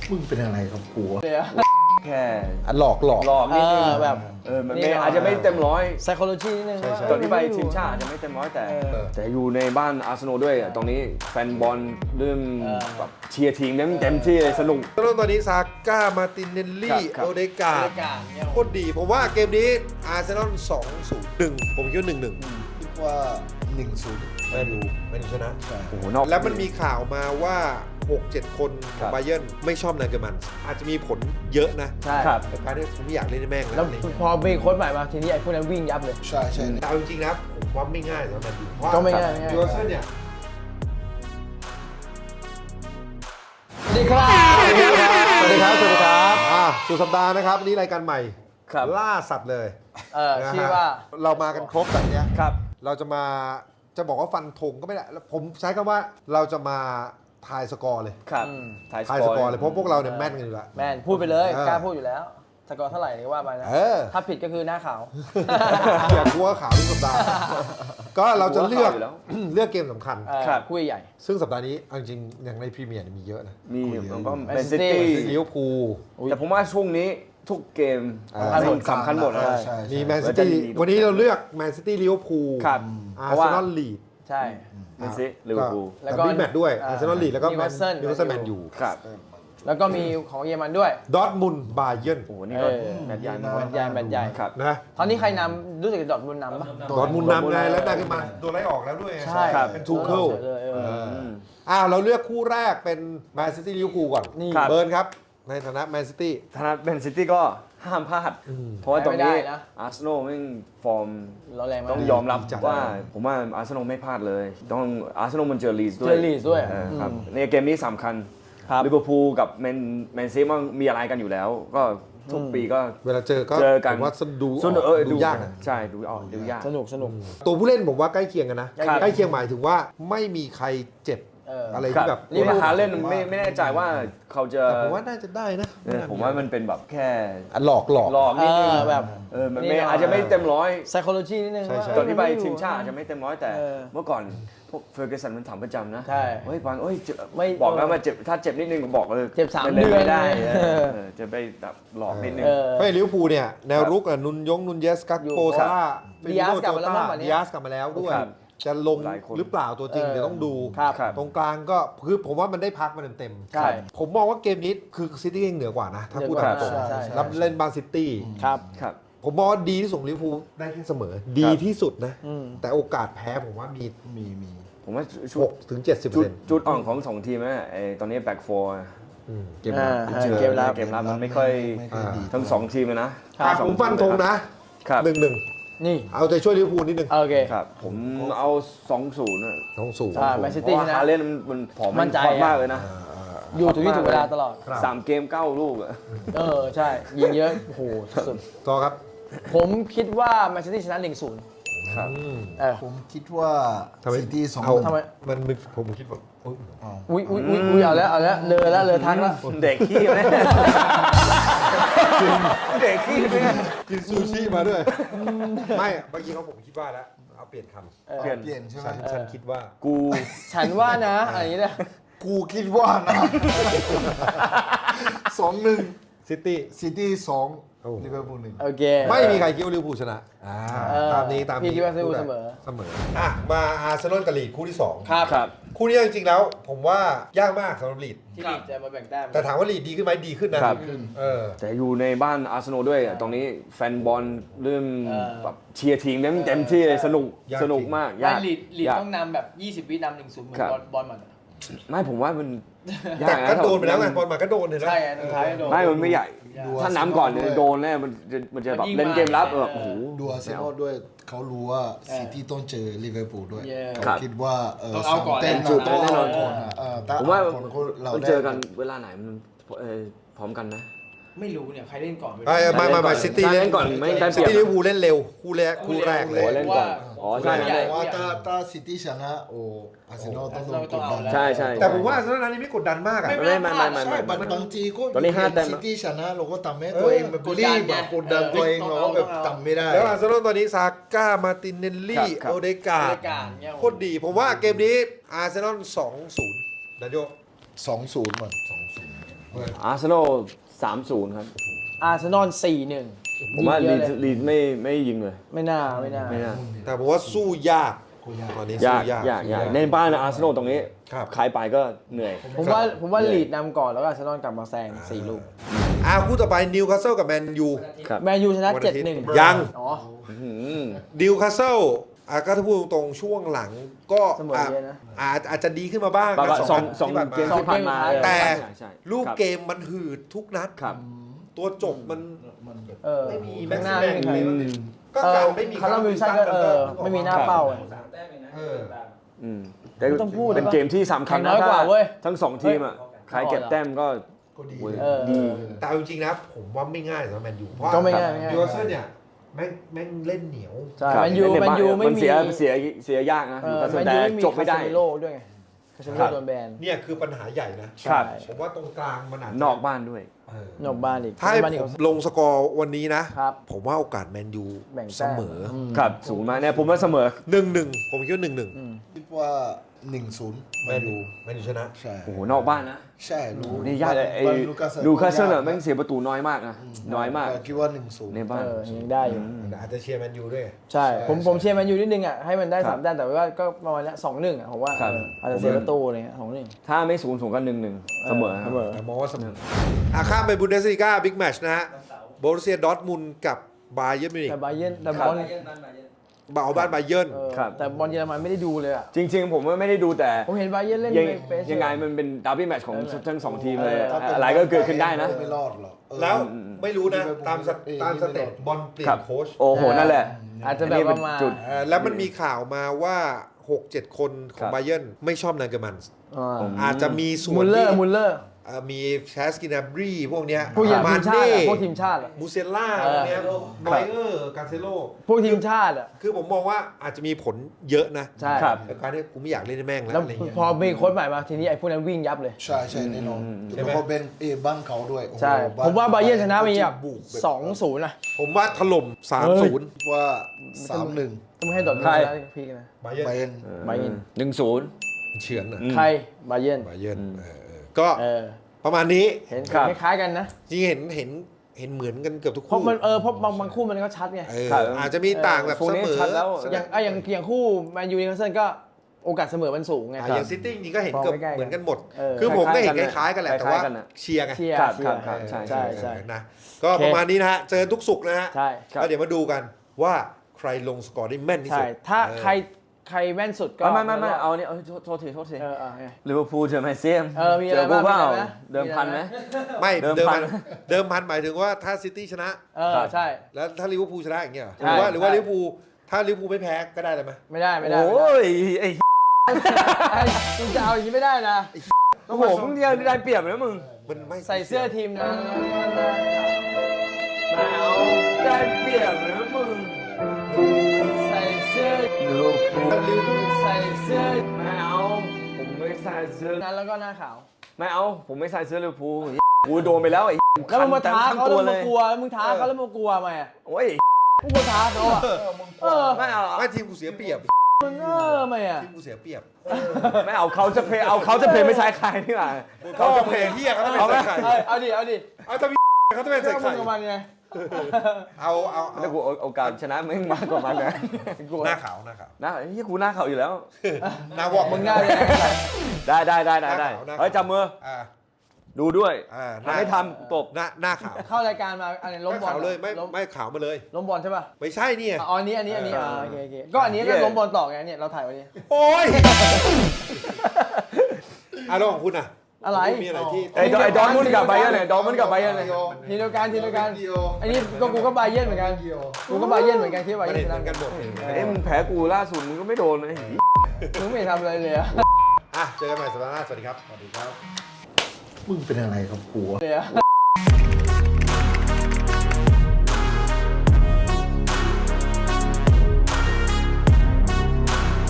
มึงเป็นอะไรกับกูแค่หลอกนิดนึงแบบมันไม่อาจจะไม่เต็มร้อย psychology นิดนึงตอนที่ไปทีมชาติอาจจะไม่เต็มร้อยแต่อยู่ในบ้านอาร์เซนอลด้วยตรงนี้แฟนบอลเริ่มแบบเชียร์ทีมเต็มที่เลยสนุกตอนนี้ซาก้ามาตินเนลลี่ครับโอเดการ์ดโคตรดีผมว่าเกมนี้อาร์เซนอล2-0-1ผมคิดว่า 1-1 คิดว่า 1-0 แมนยูชนะโอ้โหนอกแล้วมันมีข่าวมาว่า 6-7 คนขครัองบบาเยิร์นไม่ชอบนายเกอร์มันอาจจะมีผลเยอะนะใช่ครับแต่การที่ผมไม่อยากเล่นให้แม่งแล้แล้ว วอะไรพอมีโค้ชใหม่มาทีนี้ไอ้พวกนั้นวิ่งยับเลยใช่ใช่แต่เอาจริงๆนะผมว่าไม่ง่ายสำหรับแมนยูเพราะก็ไม่ง่ายยูเซอร์เนี่ยสวัสดีครับสวัสดีครับสุดสัปดาห์นะครับวันนี้รายการใหม่ครับล่าสัตว์เลย นะฮะชื่อว่าเรามากันครบแบบเนี้ยครับเราจะบอกว่าฟันธงก็ไม่ได้แล้วผมใช้คำว่าเราจะมาทายสกอร์เลยครับทายสกอร์เลยเพราะพวกเราเนี่ยแม่นกันอยู่แล้วแมนพูดไปเลยเออกล้าพูดอยู่แล้วสกอร์เท่าไหร่นี่ว่าไปนะเออถ้าผิดก็คือหน้าขาวอย่ากลัวข่าวทุกสัปดาห์ ก็เราจะเลือกกลัวข่าวอยู่แล้วเลือกเกมสำคัญครับคู่ใหญ่ซึ่งสัปดาห์นี้เอาจริงๆอย่างในพรีเมียร์เนี่ยมีเยอะนะมีมันก็ Man เป็น City ซิตี้ลิเวอร์พูลแต่ผมว่าช่วงนี้ทุกเกมสำคัญหมดสำคัญหมดนะใช่มีแมนแล้ซิวจะตี้มีวันนี้เราเลือกแมนซิตี้ลิเวอร์พูลครับอาเพร์ราะเซว่านอลลีดใช่แมนซิตี้ลิเวอร์พูลแล้วก็บิ๊กแมตช์ด้วยอ่าอาร์เซนอลลีดแล้วก็แมน Newcastle นิวคาสเซิลแมนยูครับแล้วก็มีของเยอรมันด้วยดอร์ทมุนด์บาเยิร์นโอ้โหนี่ก็เออแมตช์ใหญ่แมมากตช์ใหญ่แมตช์ใหญ่ครับนะตอนนี้ใครนำรู้สึกจะดอร์ทมุนด์นำปะดอร์ทมุนด์นำไงแล้วนายขึ้นมาโดนไล่ออกแล้วด้วยใช่ครับเป็นทูเคิลเลยเราเลือกคู่แรกเป็นแมนซิตี้ลิเวอร์พูลก่อนนี่เบิร์นครับ ในฐานะแมนซิตี้ธนาแมนซิตี้ก็ห้ามพลาด เพราะว่าตรงนี้ไม่ได้นะอาร์เซนอลแม่งฟอร์มเราแรงมากต้องยอมรับจัดว่าผมว่าอาร์เซนอลไม่พลาดเลย ต้องอาร์เซนอลมันเจอลีดด้วยเจอลีดด้วยครับในเกมนี้สำคัญครับลิเวอร์พูลกับแมนซีมันมีอะไรกันอยู่แล้ว ก็ทุกปีก็เวลาเจอก็เจอกันผมว่าดูสนุกดูยากนะใช่ดูดูยากสนุกตัวผู้เล่นผมว่าใกล้เคียงกันนะครับใกล้เคียงหมายถึงว่าไม่มีใครเจ็บ อะไรครัที่แบบนี่มาหาเล่นไม่แน่ใจว่าเขาจะแต่ผมว่าน่าจะได้นะผมว่ามันเป็นแบบแค่หลอกหลอกนิดนึงแบบมันนี่ไม่หน่อยอาจจะไม่เต็มร้อย psychology นิดนึงใช่ว่าตอนที่ไปเยทีมชาติอาจจะไม่เต็มร้อยแต่เออเมื่อก่อนพวกเฟอร์กูสันมันถามประจำนะใช่เฮ้ยปานเอ้ยเจ็บไม่บอกแล้วมาเจ็บถ้าเจ็บนิดนึงก็บอกเลยเจ็บ3 ล่เดือนไม่ได้เออจะไปแบบหลอกนิดนึงเออเพราะลิเวอร์พูลเนี่ยแนวรุกนุนเยสกักโปอยู่ซาร่าดิอาสกลับมาแล้วมั้งวันนี้ดิอาสกลับมาแล้วด้วยครับจะลงหลายคนหรือเปล่าตัวจริงเดี๋ยวต้องดูครับตรงกลางก็คือผมว่ามันได้พักมันเต็มๆใช่ผมมองว่าเกมนี้คือซิตี้เหนือกว่านะ ถ้าพูดเหนืตาอกมว่าตรงใช่รับเล่นบางซิตี้ครับครับผมมองว่าดีที่สุดของลิเวอร์พูลได้แค่เสมอ ดีที่สุดนะอืมแต่โอกาสแพ้ผมว่ามีมีผมว่าชุด 6 ถึง 70% จุดอ่อนของสองทีมนะไอ้ตอนนี้แบ็กโฟร์เกมรับอ่าเจอเกมรับเกมรับมันไม่ค่อยดีทั้งสองทีมเลยนะผมฟันธงนะครับ 1-1 นี่เอาใจช่วยลิเวอร์พูลนิดนึงโอเคครับผมเอา2-0นะต้องสูงแมนซิเพตี้ราะว่าชนะฮาเล่นมันผอมมั่นใจฮอตมากเลยนะอยู่ถึงที่ถูกเวลาตลอดครับ 3 เกม 9 ลูกอะใช่ ยิงเยอะ โอ้โห สุดต่อครับผมคิดว่าแมนซิตี้ชนะ 1-0 ครับผมคิดว่าทำไมซิตี้2 เอาทำไมมันผมคิดว่าอุ๊ยอุ้ยเอาแล้วเลยทักแล้วเด็กขี้ไหมเด็กขี้ไหมกินซูชิมาด้วย ไม่เมื่อกี้เขาผมคิดว่าแล้ว เอาเปลี่ยนคำเปลี่ยนเปลี่ยนใช่ไหมฉันคิดว่ากูฉันว่านะ อะไรอย่างเงี้ยกูคิดว่านะ 2-1 ซิตี้ซิตี้โอ้ 2ลิเวอร์พูล1 โอเคไม่มีใครคิดว่าลิเวอร์พูลชนะ ตามนี้พี่คิดว่าลิเวอร์พูลเสมอมาอาร์เซนอลกับลีดคู่ที่ 2 ครับครับคู่นี้จริงๆแล้ว ผมว่ายากมากสำหรับลีดที่ลีดจะมาแบ่งแต้มแต่ถามว่าลีดดีขึ้นไหมดีขึ้นนะครับ เออแต่อยู่ในบ้านอาร์เซนอลด้วยตรงนี้แฟนบอลเริ่มแบบเชียร์ทีมเต็มที่เลยสนุกยากสนุกมากไม่ยากลีดยากต้องนำแบบ 20 วินำ 1-0 เหมือนครับบอลมันไม่ผมว่ามันยาแต่กก็นะโดนไปแล้วไงบอลมาก็โดนเห็นไหมใช่สุดท้ายโดนไม่มันไม่ใหญ่ดูถ้าน้ำก่อนเนี่ยโดนแน่มันจะแบบเล่นเกมรับโอ้โหดูอาร์เซนอลด้วยเขารู้ว่าซิตี้ต้องเจอลิเวอร์พูลด้วยครัเขาบคิดว่าต้องเอาก่อนเต้นแน่นอนต้องเอาแน่นอนก่อนอะถ้ผมว่าเอก่อนก็เรามันได้เจอกันเวลาไหนมันพร้อมกันไหมไม่รู้เนี่ย ใครเล่นก่อนไม่ซิตี้เล่นก่อนไม่ได้เปรีซิยบตี้ลิเวอร์พูลเล่นเร็วคู่แรกเลโอ้ยเล่นก่อนอ๋อใช่ใหญ่ใช่ว่าถ้าซิตี้ชนะโอ้อาร์เซนอลต้องโดนกดดันใช่ใช่แต่ผมว่าอาร์เซนอลนั้นนี่ไม่กดดันมากอะไม่ใช่บางทีก็ตอนนี้5 แต้มซิตี้ชนะเราก็ทำให้ตัวเองแบบรีบแบบกดดันตัวเองเราก็แบบทำไม่ได้แล้วอาร์เซนอลตอนนี้ซาก้ามาตินเนลลี่ครับโอเดการ์ดเนี่ยโคตรดี ผมว่าเกมนี้อาร์เซนอล2-0นะโย 2-0มัน2-0 อาร์เซนอล 3-0 ครับอาร์เซนอล 4-1 ผมว่ายิลีงดเยอะเลยไม่ยิงเลยไม่น่าไม่น่าแต่ผมว่าสู้ยากตอนนี้ยาสู้กยากยากในบ้านอาร์เซนอลตรงนี้ครับใครไปก็เหนื่อยผมว่าลีดนำก่อนแล้วก็อาร์เซนอลกลับมาแซง4 ลูกคู่ต่อไปนิวคาสเซิลกับแมนยูครับแมนยูชนะวันอาทิตย์ 7-1 ยังอ๋อนิวคาสเซิลก็ถ้าพูดตรงๆช่วงหลังก็เสมอเยอะนะอาจจะดีขึ้นมาบ้างแบบนะว่าสองนัดเกมที่ผ่านมาที่ผ่านมาแต่ใช่ลูกครับเกมมันหืดทุกนัดครับตัวจบมันไม่มีแม็ข้าก งหซ์น้าแมไม่นมีใครก็การไม่มีคาร์ลวิลสันก็ไม่มีหน้าเป้าเออแต่ไม่ต้องพูดเป็นเกมที่สำคัญแข่งน้อยกว่าถ้เว้ยทั้งสองทีมอ่ะใครเก็บแต้มก็เออดีแต่เอาจริงๆนะผมว่าไม่ง่ายสำหรับแมนยูเพราะก็ไม่ง่ายไม่ง่ายนิวคาสเซิลเนี่ยแม่งเล่นเหนียวใช่ครับแมนยูเล่แมนยูไม่มันมีเสียยากนะเออแต่แมนแต่ยูไม่มีจบไม่ได้คาเซมิโร่ด้วยไงคาเซมิครัโร่บโดนแบนเนี่ยคือปัญหาใหญ่นะครับผมว่าตรงกลางมันอาจจะนอกบ้านด้วยเออนอกบ้านอีกถ้าให้บ้านอีกผมลงสกอร์วันนี้นะครับผมว่าโอกาสแมนยูแบ่งเสแต้มมอครับสูงมากเนี่ยผมว่าเสมอ 1-1ผมคิดว่า 1-1 คิดว่า 1-0 แมนยูแมนยูชนะใช่โอ้โหนอกบ้านนะใช่รู้นี่ยากเลยไอ้บ้านลูคัสเซิลก็อะแม่งเสียประตูน้อยมากนะน้อยมากแต่คิดว่า 1-0 ในบ้านยังได้อยู่แต่อาจจะเชียร์แมนยูด้วยใช่ผมเชียร์แมนยูนิดนึงอ่ะให้มันได้ครับ 3 แต้มแต่ว่าก็ประมาณนี้2-1อ่ะผมว่าครับอาจจะเสียประตูอะไรเงี้ย2-1 ถ้าไม่0-0ก็1-1เสมอเสมอแต่มองว่าเสมอข้ามไปบุนเดสลีกาบิ๊กแมตช์นะฮะโบรุสเซียดอร์ทมุนด์กับบาเยิร์นมิวนิกแต่บาเยิร์นแต่ครับบอลเอาบ้านบาเยิร์นครับแต่บอลเยอรมันไม่ได้ดูเลยอ่ะจริงๆ ผมไม่ได้ดูแต่ผมเห็นบาเยิร์นเล่นยังเปสยังไงมันเป็นดาร์บี้แมตช์ของเออทั้งสองทีมเลยถ้าเป็นอะไรก็เกิดขึ้นได้นะไม่รอดหรอกเออแล้วไม่รู้นะ ตามสเออตามสเต็ปบอลเปลี่ยครันบโค้ชโอ้โห นั่นแหละอาจจะแบบว่ามาจุดแล้วมันมีข่าวมาว่า 6-7 คนขคอรังบบาเยิร์นไม่ชอบนางเกอร์มันส์อ่าอาจจะมีส่วมุนลเลอที่ร์มุลเลอร์มีแชสกินาบรีพวกเนี้ยพวกทีมมาชาติเน่อะพวกทีมชาติอะมูเซลล่าพวกเนี้ยนอยเออร์กาเซโลพวกทีมชาติอ่ะคือผมมองว่าอาจจะมีผลเยอะนะใช่ครับแต่การที่กูไม่อยากเล่นในแม่งแล้วแล้วอะไรเงี้ยพอมีโค้ชใหม่มาทีนี้ไอ้พวกนั้นวิ่งยับเลยใช่ใช่แน่นอนใช่แล้วไหมก็เป็นบ้านเขาด้วยโอ้โหใช่ ผมว่าบาเยิร์นชนะมีแบบบุก 2-0นะผมว่าถล่ม 3-0 คิดว่า 3-1 ต้องให้ดอทมุนใครด์นะพี่นะบาเยิร์ไปนนบาเยิร์น 1-0 เฉือนนะใครบาเยิร์นบาเยิร์นก็เออประมาณนี้เห็นครับคล้ายๆกันนะจริงเห็นเหมือนกันเกือบทุกเพราะคู่มันเพราะบางคู่มันก็ชัดไงครับอาจจะมีต่างแบบพวกเสนี้มอชัดแล้วอย่างคู่แมนยูนิวคาสเซิลก็โอกาสเสมอมันสูงไงอย่างซิตี้จริงก็เห็นเกือบใกล้ๆกันเหมือนกันหมดเออคือผมก็เห็นคคล้ายๆล้ายๆกันแหละแต่ว่าคล้ายๆกันน่ะเชียร์ไงเชียร์ครับเชียร์ครับใช่ใช่ใช่นะก็ประมาณนี้นะฮะเจอทุกสุกร์นะฮะใช่แล้วเดี๋ยวมาดูกันว่าใครลงสกอร์ได้แม่นที่ใช่สุดถ้าเออใครแม่นสุดก็ไม่เอาเนี่ยโทษทีไงลิเวอร์พูลเจอแมนเซียมมีเจอะไรอกูเปล่าบ้างมีอะไรนะเดิมพันไหมไม่เดิเดิมมพัพันนเดิมพันหมายถึงว่าถ้าซิตี้ชนะใช่แล้วถ้าลิเวอร์พูลชนะอย่างเงี้ยเหรอใช่หรือว่าใช่ลิเวอร์พูลถ้าลิเวอร์พูลไม่แพ้ก็ได้เลยไหมไม่ได้โอ้ยไอ้มึงจะเอาอย่างนี้ไม่ได้นะโอ้โหมึงเดียวได้เปรียบนะมึงมันไม่ใส่เสื้อทีมนะไม่เอาได้เปรียบนะมึงใส่เสื้อลิเวอร์พูลใส่เสื้อไม่เอาผมไม่ใส่เสื้อนั้นแล้วก็หน้าขาวไม่เอาผมไม่ใส่เสื้อลิเวอร์พูลกูโดนไปแล้วไอ้แล้วมึงมาท้าเขาตัแล้ววมึงเลมาย กลัวแล้วมึงท้าเขาแล้วมึงกลัวไหมโอ้ยมึงกลัวท้าเขาอ่ะไม่เอาไม่ทีมกูเสียเปรียบมึงไหมอ่ะทีมกูเสียเปรียบไม่เอาเขาจะเพลย์ไม่ใช่ใครนี่หว่าเขาจะเพลงเฮียเขาต้องเป็นใส่ไข่เอาดิเอาถ้ามีเขาต้องเป็นเรื่ใส่องมึไข่งกับมันไงเอาแล้วกูโอกาสชนะมึงมากกว่ามันนะหน้าขาวหน้าเฮ้ยกูหน้าเขาอยู่แล้วหน้าวอกมึงง่ายเลยได้หน้าขาวเฮ้ยจับมืออ่าดูด้วยหน้าทำไม่ทำตบหน้าขาวเข้ารายการมาอันนี้ล้มบอลขาวเลยไม่ขาวมาเลยล้มบอลใช่ป่ะไม่ใช่เนี่ยอ๋ออันนี้โอเคก็อันนี้ก็ล้มบอลต่อไงเนี่ยเราถ่ายไว้นี่โอ้ยแล้วของคุณอ่ะอะไรมีอะไรที่ไอ้ดอร์ทมุนด์กับไบเยิร์นเนี่ยดอร์ทมุนด์กับไบเยิร์นเนี่ยทีเดียวกันอันนี้กูก็บาเยิร์นเหมือนกันกูก็บาเยิร์นเหมือนกันที่บาประเยิเด็ร์นนเหชมืนะอนกันหมดมึงแพ้กูล่าสุดมึงก็ไม่โดนเลยมึงไม่ทำอะไรเลยอะเจอกันใหม่สัปดาห์หน้าสวัสดีครับมึงเป็นอะไรกับกูวะเลยอะ